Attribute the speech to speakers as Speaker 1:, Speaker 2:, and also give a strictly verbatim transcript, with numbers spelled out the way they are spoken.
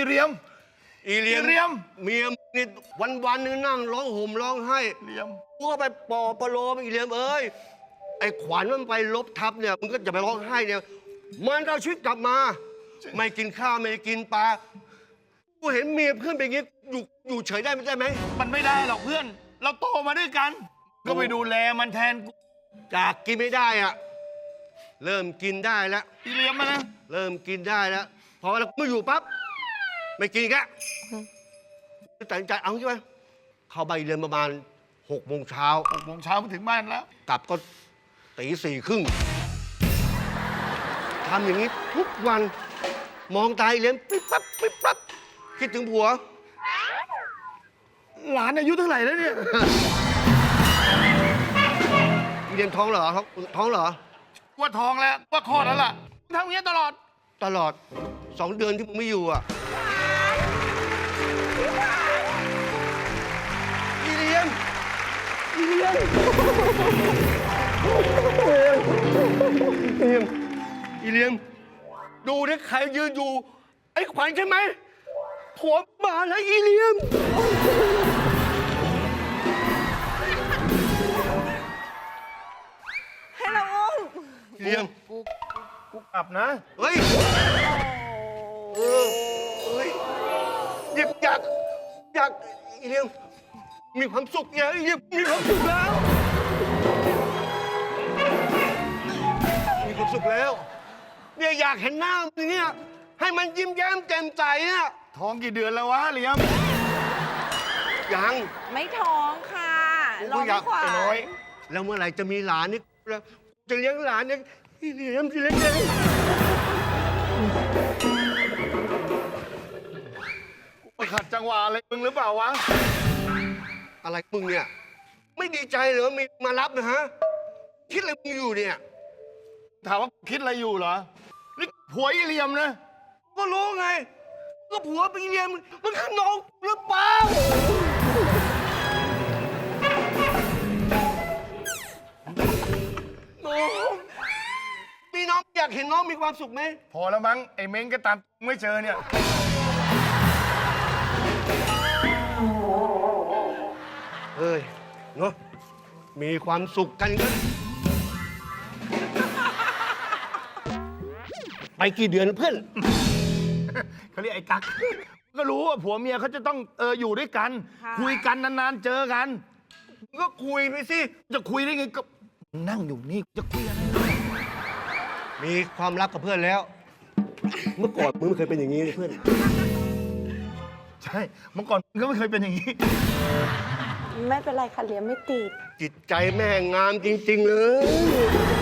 Speaker 1: เรียม
Speaker 2: อีเลียม
Speaker 1: เรียม
Speaker 2: เมียนี่วันวันนึงนั่งร้องห่มร้องไห้
Speaker 1: เรียม
Speaker 2: กูก็ไปปลอบประโลมอีเลียมเอ้ยไอ้ขวัญมันไปลบทับเนี่ยมึงก็จะไปร้องไห้เนี่ยมันเอาชีวิตกลับมาไม่กินข้าวไม่กินปลากูเห็นเมียเพื่อนเป็นอย่างงี้อยู่อยู่เฉยได้ไม่ได้ไหม
Speaker 1: มันไม่ได้หรอกเพื่อนเราโตมาด้วยกันก็ไปดูแลมันแทนกู
Speaker 2: จากกินไม่ได้อะเริ่มกินได้แล้ว
Speaker 1: อีเลียมมานะ
Speaker 2: เริ่มกินได้แล้วพอเราไม่อยู่ปั๊บไม่กินแกตัดสินใจเอาใช่ไหมเข้าไปเรียนประมาณหกโมงเช้า
Speaker 1: หกโมงเช้ามาถึงบ้านแล้ว
Speaker 2: กลับก็ตีสี่ครึ่งทำอย่างนี้ทุกวันมองตาเรียนปิ๊บปั๊บปิ๊บปั๊บคิดถึงผัว
Speaker 1: หลานอายุเท่าไหร่แล้วเนี่ย
Speaker 2: เรียนท้องเหรอท้องท้องเหรอ
Speaker 1: ว่าท้องแล้วว่าคลอดแล้วล่ะทำอย่างนี้ตลอด
Speaker 2: ตลอดสองเดือนที่มึงไม่อยู่อ่ะอีเลียมอีเลียมอีเลียมอีเลียมดูนี่ใครยืนอยู่ไอ้ขวัญใช่ไหมผัวมาแล้วอีเลียม
Speaker 3: ให้เราอุ้ม
Speaker 2: เลียม
Speaker 1: กูกูกลับนะ
Speaker 2: เฮ้ยเออเฮ้ยหยิบอยากอยากอีเลียมมีความสุขเนี่ยอีเลียมมีความสุขแล้วมีความสุขแล้วเนี่ยอยากเห็นหน้ามันเนี่ยให้มันยิ้มแย้มแจ่มใสอ่ะ
Speaker 1: ท้องกี่เดือนแล้ววะเลียม
Speaker 2: ยัง
Speaker 3: ไม่ท้องค่ะรอไม่ขวาน
Speaker 2: น้อยแล้วเมื่อไหร่จะมีหลานนี่จะเลี้ยงหลานเนี่ยอีเลียมจะเลี้ยงยัง
Speaker 1: ไปขัดจังหวะอะไรมึงหรือเปล่าวะ
Speaker 2: อะไรมึงเนี่ยไม่ดีใจเหรอมีมารับนะฮะคิดอะไรมึงอยู่เนี่ย
Speaker 1: ถามว่าคิดอะไรอยู่เหรอนี่ผัวอีเลียมนะ
Speaker 2: ก็รู้ไงก็ผัวไปอีเลียมมันคือน้องหรือเปล่าน้องมีน้องอยากเห็นน้องมีความสุขไหม
Speaker 1: พอแล้วมั้งไอ้เม้งก็ตามไม่เจอเนี่ย
Speaker 2: เฮ้ยเนาะมีความสุขกันกันไปกี่เดือนเพื่อน
Speaker 1: เขาเรียกไอ้กั๊กก็รู้ว่าผัวเมียเขาจะต้องเอออยู่ด้วยกันคุยกันนานๆเจอกัน
Speaker 2: ก็คุยไปสิ
Speaker 1: จะคุยได้ไงก็นั่งอยู่นี่จะคุยอะไร
Speaker 2: มีความรักกับเพื่อนแล้วเมื่อก่อนมึงไม่เคยเป็นอย่างนี้เลยเพื่อน
Speaker 1: ใช่เมื่อก่อนมึงก็ไม่เคยเป็นอย่างนี้
Speaker 3: ไม่เป็นไรค่ะเลี้ยงไม่ติด
Speaker 2: จิตใจแม่งามจริงๆเลย